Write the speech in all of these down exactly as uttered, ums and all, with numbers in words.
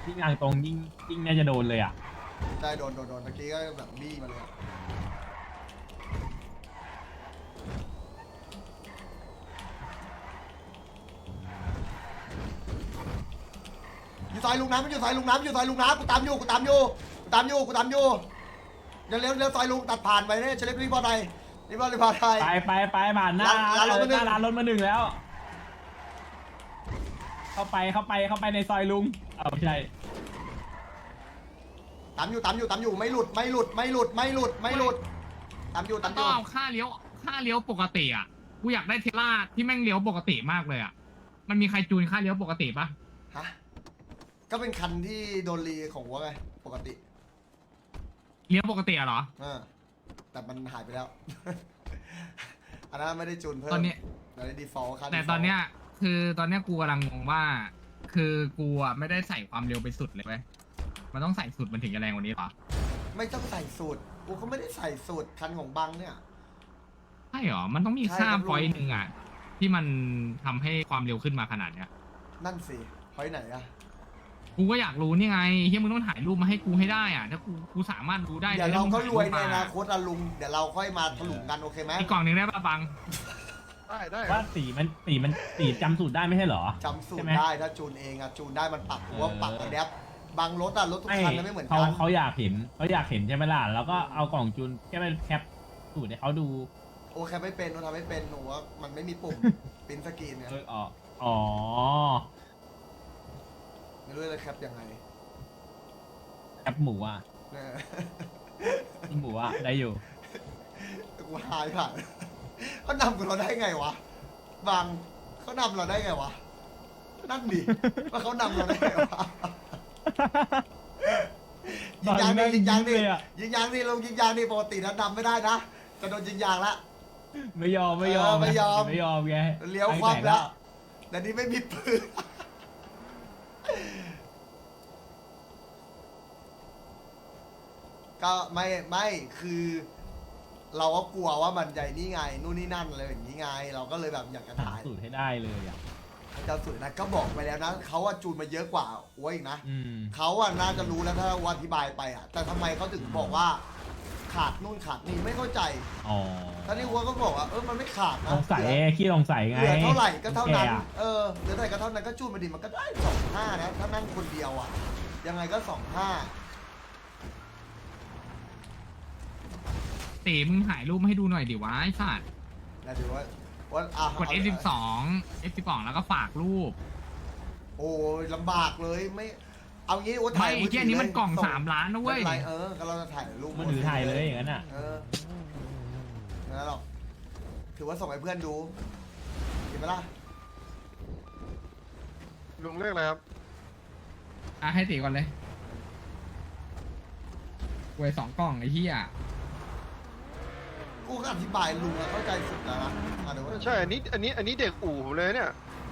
ยิ่งทางตรงยิ่งยิ่งน่าจะโดนเลยอ่ะได้โดนโดนโดนเมื่อกี้ก็แบบบี้มาเลยอะอยู่ซอยลุงน้ำมันอยู่ซอยลุงน้ำอยู่ซอยลุงน้ำกูตามอยู่กูตามอยู่กูตามอยู่กูตามอยู่เดี๋ยวเลี้ยวเลี้ยวซอยลุงตัดผ่านไปเนี่ยเฉลิมรีบอลไทยรีบอลรีบอลไทยไปไปไปผ่านหน้าร้านรถมาหนึ่งหน้าร้านรถมาหนึ่งแล้ว เข้าไปเข้าไปเข้าไปในซอยลุงเอาไม่ใช่ตามอยู่ตามอยู่ตามอยู่ไม่หลุดไม่หลุดไม่หลุดไม่หลุดไม่หลุดตามอยู่ตามอต้อยู่ งเอาค่าเลี้ยวค่าเลี้ยวปกติอ่ะกูอยากได้เทสลาที่แม่งเลี้ยวปกติมากเลยอ่ะมันมีใครจูนค่าเลี้ยวปกติปะฮะก็เป็นคันที่โดนรีของวัวไงปกติเลี้ยวปกติอะเหรออ่าแต่มันหายไปแล้ว อันนั้นไม่ได้จูนเพิ่มตอนนี้เราได้ดีฟอลต์คันแต่ตอนเนี้ยคือตอนเนี้ยกูกำลังงงว่า คือกูอ่ะไม่ได้ใส่ความเร็วไปสุดเลยเว้ยมันต้องใส่สุดมันถึงจะแรงกว่านี้เหรอไม่ต้องใส่สูตรกูก็ไม่ได้ใส่สูตรคันของบังเนี่ยใช่เหรอมันต้องมีใช่ค่าครับพอยต์หนึ่งอ่ะที่มันทำให้ความเร็วขึ้นมาขนาดเนี้ยนั่นสิพอยไหนอะกูก็อยากรู้นี่ไงเฮียมึงต้องถ่ายรูปมาให้กูให้ได้อ่ะถ้ากูกูสามารถรู้ได้เดี๋ยวเราก็รวยในอนาคคตอะลุงเดี๋ยวเราค่อยมาถลุงกันโอเคไหมอีกกล่องหนึ่งได้ป่ะบังได้ได้ว่าสีมันสีมันสีจำสูตรได้ไม่ใช่เหรอจำสูตใช่รไหมได้ถ้าจูนเองอะจูนได้มันปรับหัวปรับไอแดปบางรถอะรถทุกไม่คันไม่เหมือนเขากันเขาอยากเห็นเขาอยากเห็นใช่ไหมล่ะแล้วก็เอากล่องจูนแค่ไปแคปสูตรให้เขาดูโอเคไม่เป็นโอทำไม่เป็นหนูว่ามันไม่มีปุ่ม ปริ้นสกรีนเนี่ยเอออ๋ออ๋อไม่รู้จะแคปยังไงแคปหมูอ่ะเนี่ยหมูอ่ะได้อยู่กูหายผ่านเขานำกับเราได้ไงวะบางเขานำเราได้ไงวะนั่นดิว่าเขานำเราได้ไงวะยิงยางดิยิงยางดิเลยอะยิงยางดิลงยิงยางดิปกตินะนำไม่ได้นะจะโดนยิงยางละไม่ยอมไม่ยอมเออไม่ยอมไม่ยอมไงเลี้ยวคว่ำแล้วแต่นี่ไม่มีปืนก็ไม่ไม่คือ เราก็กลัวว่ามันใหญ่นี่ไงนู่นนี่นั่นอะไรอย่างนี้ไง เราก็เลยแบบอยากจะหาถ่ายสูตรให้ได้เลยอ่ะเจ้าสุดนะก็บอกไปแล้วนะเขาว่าจูนมาเยอะกว่าอ้วยอีกนะอืมเขาอะน่าจะรู้แล้วถ้าว่าอธิบายไปอะแต่ทำไมเขาถึงบอกว่า ขาดนู่นขาดนี่ไม่เข้าใจอ๋อท่านนี่วัวก็บอกว่าเออมันไม่ขาดนะสงสัยเหลือขี้สงสัยไงเหลือเท่าไหร่ก็เท่านั้นแกอะเออเหลือเท่าไหร่ก็เท่านั้นก็จูนมาดิมันก็ได้สองห้านะถ้านั่งคนเดียวอะยังไงก็สองห้าตีมึงถ่ายรูปมาให้ดูหน่อยดิวะไอ้สัตว์นะถือว่าว่าอ่ะกด เอฟ สิบสอง เอฟ สิบสอง แล้วก็ฝากรูปโอ้ยลำบากเลยไม่ เอางี้ว่าถ่าไม่ยไอ้เหี้ยนี้มันกล่องส่สามล้านนะเว้ยไม่ป็ไรเออก็เราจะถ่ายรูปมันถือถ่ายเลยอย่างนั้นอ่ะเออไม่เป็นไรหรอกถือว่าส่งให้เพื่อนดูเห็นไหมล่ะลุงเรียกอะไรครับอ่ะให้ตีก่อนเลยเว้ยสองกล่องไอ้เหี้ยกูก็อธิบายลุงอะเข้าใจสุดแล้วนะอ่ะเดี๋ยวว่าใช่ อันนี้ อันนี้ อันนี้เด็กอู่ผมเลยเนี่ย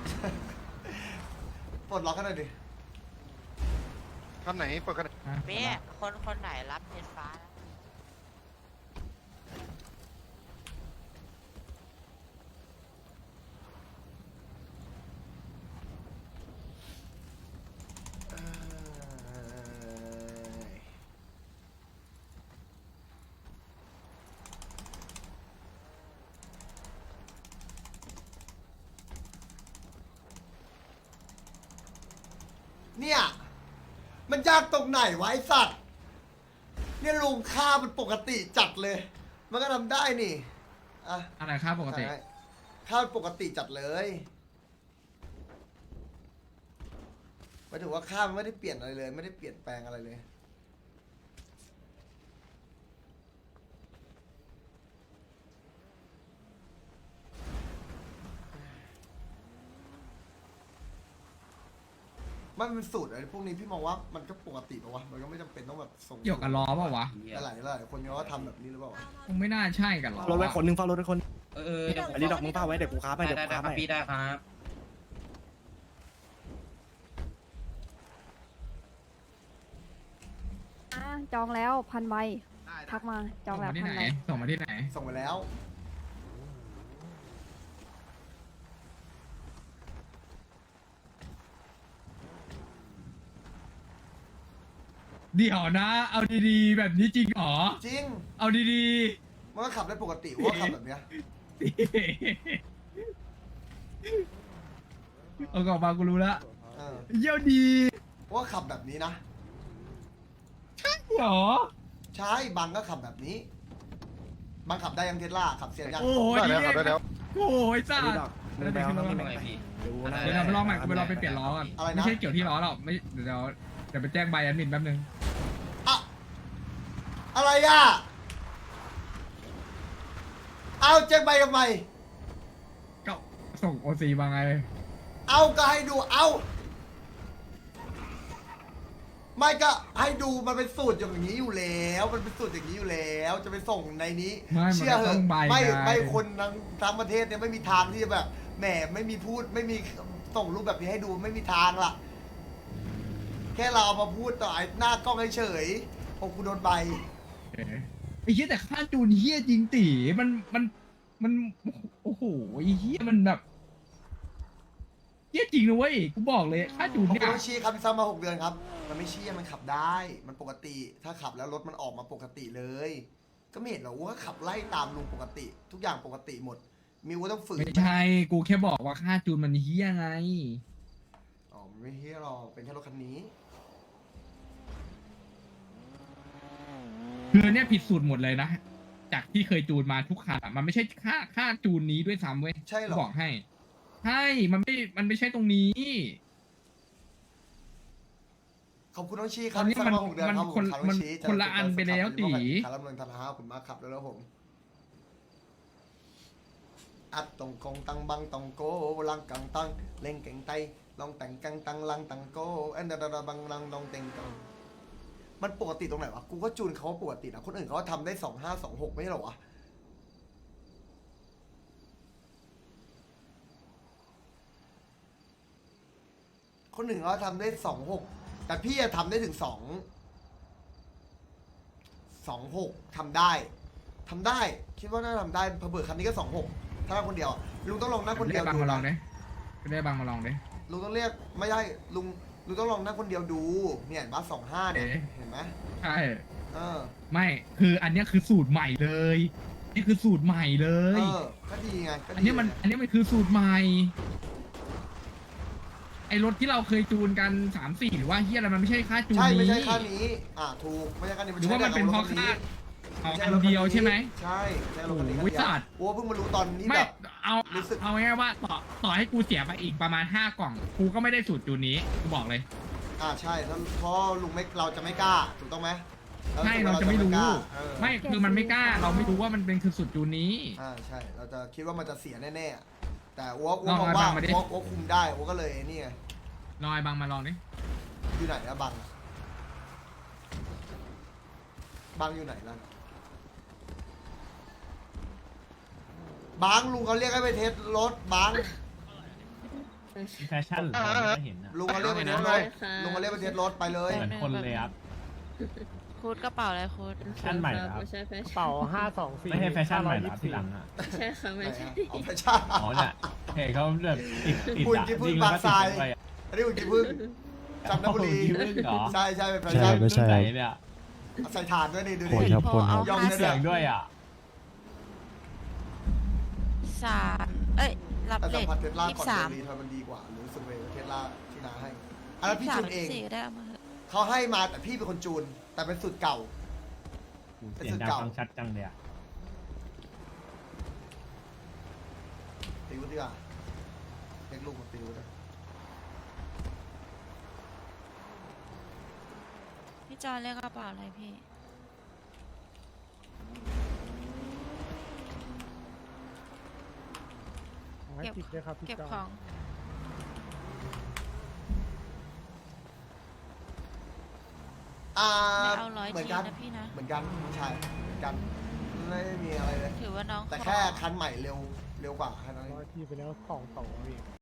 ปลดล็อกกันหน่อยดิคันไหนเปิดคันไหนอ่ะเป๊ะคนคนไหนรับเพชรฟ้านะเอ่อเนี่ย มันยากตรงไหนวะไอสัตว์ เนี่ยลุงค่ามันปกติจัดเลย มันก็ทำได้นี่ อ่ะอะไรค่าปกติใช่ค่ามันปกติจัดเลยหมายถึงว่าค่ามันไม่ได้เปลี่ยนอะไรเลย ไม่ได้เปลี่ยนแปลงอะไรเลย มันเป็นสูตรอะไรพวกนี้พี่มองว่ามันก็ปกติปะวะ มันก็ไม่จำเป็นต้องแบบส่งเกี่ยวกับล้อเปล่าวะหลายหลายคนเขาก็ทำแบบนี้หรือเปล่าวะคงไม่น่าใช่กันหรอรถไว้คนหนึงเฝ้ารถไว้คนเออเออเดี๋ยวผมอันนี้ดอกมึงเฝ้าไว้เดี๋ยวกูค้าไปได้เดี๋ยวได้กูได้ค้าคไปรับพี่ได้ครับอ่ะจองแล้วพันใบทักมาจองส่งแล้วมาที่พัไหนนใบส่งมาที่ไหนส่งไปแล้วอเดี๋ยวนะ เอาดีๆ แบบนี้จริงเหรอจริงเอาดีมันก็ขับได้ปกติว่าขับแบบเนี้ยๆ เอากลับมากูรู้ละเออเยี่ยวดีว่าขับแบบนี้นะเหรอใช่บังก็ขับแบบนี้บังขับได้ยังเทสลาขับเสียยังโอ้ยได้แล้วครับได้แล้วโอ้ยจ้าอันนี้ดอกมึงไปเอาน้ำมันไปดูนะเดี๋ยวเราไปลองใหม่กูไปลองไปเปลี่ยนล้อก่อนอะไรนะไม่ใช่เกี่ยวที่ล้อหรอกไม่เดี๋ยวเดี๋ยวไปแจ้งใบแอดมินแป๊บนึงอะอะไรอ่ะเอาแจ้งใบทำไมก็ส่งโอซีมาไงเอาก็ให้ดูเอาไม่ก็ให้ดูมันเป็นสูตรอย่างนี้อยู่แล้ว มันเป็นสูตรอย่างนี้อยู่แล้ว จะไปส่งในนี้ไม่มันเชื่อก็เหต้อะองใบไม่ไงไม่คนทั้งทั้งประเทศเนี่ยไม่มีทางที่จะแบบแหมไม่มีพูดไม่มีส่งรูปแบบนี้ให้ดูไม่มีทางล่ะ แค่เราเอามาพูดต่อไอ้หน้ากล้องเฉยๆพอกูโดนใบเอ๊ะไอ้เหี้ยแต่ค่าจูนเหี้ยจริงตีมันมันมันโอ้โหไอ้เหี้ยมันแบบเหี้ยจริงนะเว้ยกูบอกเลยค่าจูนผมเนี่ยต้องชี้ครับพี่ซ้ำมาหกเดือนครับ มันไม่ชี้มันขับได้ มันปกติ ถ้าขับแล้วรถมันออกมาปกติเลย ก็ไม่เห็นหรอกว่าขับไล่ตามลุงปกติ ทุกอย่างปกติหมด มิวก็ต้องฝืนไม่ใช่กูแค่บอกว่าค่าจูนมันเหี้ยไงอ๋อมันไม่เฮียหรอกเป็นแค่รถคันนี้คือเนี่ยผิดสูตรหมดเลยนะ จากที่เคยจูนมาทุกคันอะมันไม่ใช่ค่าค่าจูนนี้ด้วยซ้ำเว้ยใช่เหรอบอกให้ ใช่ มันไม่ มันไม่ใช่ตรงนี้ขอบคุณน้องชี้คตรัอบ นนี้พี่ซ้ำมันมาหกเดือนมันครับคนผมมันชี้คนละอันไปแล้วตีคาร์ลเมืองธนาขอบคุณมากครับแล้วแล้วผม อัดตรงกงตังบังตองโกลังกังตังเล่งเก่งไตลองแต่งกังตังลังตังโกเอ็นดาดาบังลังลองเต็งกังมันปกติตรงไหนวะ กูก็จูนเขาว่าปกตินะ คนอื่นเขาทำได้สองห้าสองหกไม่ใช่หรอวะ คนหนึ่งเขาทำได้สองหกแต่พี่จะทำได้ถึงสองสองหกทำได้ทำได้ คิดว่าน่าทำได้เผื่อๆคันนี้ก็สองหกถ้าคนเดียวอะลุงต้องลองนั่งคนเดีได้ยวบังดูมาลองนะดิได้บังมาลองดิลุงต้องเรียกไม่ได้ลุงลุงต้องลองนั่งคนเดียวดูเนี่ยบัสสองห้าเนี่ยเอ๊ะเห็นไหมใช่เออไม่ คืออันเนี้ยคือสูตรใหม่เลย นี่คือสูตรใหม่เลเอย อก็ดีไงก็ดีอันเนี้ยมัน อันเนี้ยมันคือสูตรใหม่ ไอรถที่เราเคยจูนกันสามสี่หรือว่าเฮียอะไรมันไม่ใช่ค่าจูนใช่นี้ไม่ใช่ค่านี้ อ่าถูกไม่ใช่ค่านี้หรือว่ามันเป็นเพราะค่าเอาอันเดียวใช่ไหมใช่ใช่รถคันนี้คันโอ้ยเดียวสัตว์โอ้เพิ่งมารู้ตอนนี้ไม่แบบเอารู้สึกเอาง่ายๆว่าต่อต่อให้กูเสียไปอีกประมาณห้ากล่อง กูก็ไม่ได้สูตรจูนนี้ กูบอกเลยอ่าใช่แล้วเพราะลุงไม่เราจะไม่กล้าถูกต้องไหมใช่เราจะไม่รู้กล้าเออไม่คือมันไม่กล้า เราไม่รู้ว่ามันเป็นคือสูตรจูนนี้อ่าใช่เราจะคิดว่ามันจะเสียแน่ๆแต่อ้วกอ้วลกองมองว่าไอ้บังมาดิอ้วกอ้วกคุมได้อ้วกก็เลยนี่ไงลองไอ้บังมาลองดิอยู่ไหนนะบังอะบังอยู่ไหนล่ะบังลุงเขาเรียกให้ไปเทสรถบังแฟชั่นเหรอไม่เห็นอะลุงเขาเรียกไปเทสรถลุงเขาเรียกไปเทสรถไปเลยเหมือนคนเลยครับคูดกระเป๋าอะไรคูดแฟชั่นใหม่เหรอครับไม่ใช่แฟชั่นเป่าห้าสองสี่ไม่ใช่แฟชั่นใหม่เหรอครับที่หลังอ่ะไม่ใช่ค่ะไม่ใช่เอาไปช่าอ๋อเนี่ยเห็นเขาแบบติดติดคุณอะกินพึ่ยิงงแล้วก็บางทติรายดไปอะอันนี้คุณกินพึ่งจันทบุรีโอ้โหยิงพึ่งเหรอใช่ใช่เป็นแฟใช่ชั่นไม่ใช่รุ่นไหนเนี่ยเอาใส่ถ่านด้วยนี่ดูโคดินครับคนครับยอมมีเลยเสียงนะด้วยอ่ะสามเอ้ย รับแต่เลสัมขผัสเทสลายี่ก่อนสามเทสลามันดีกว่าหรือสึกเวเทสลาที่นาให้อันนั้นพี่สามจูนเองสี่ก็ได้เอามาเถอะเขาให้มาแต่พี่เป็นคนจูน แต่เป็นสูตรเก่าเสียงดังฟังชัดจังเลยอ่ะตีวุฒิดีกว่าเล็กลูกของตีวุฒินะพี่จอนเรียกกระเป๋าอะไรพี่ให้ติดด้วยครับพี่เก็บจอของอ่าไม่เอาร้อยเหมือนทีกันนะพี่นะเหมือนกันใช่เหมือนกันไม่มีอะไรเลยถือว่าน้องแต่ขอแค่คันใหม่เร็วเร็วกว่าแค่นั้นเองร้อยที่ไปแล้วสองสองเอง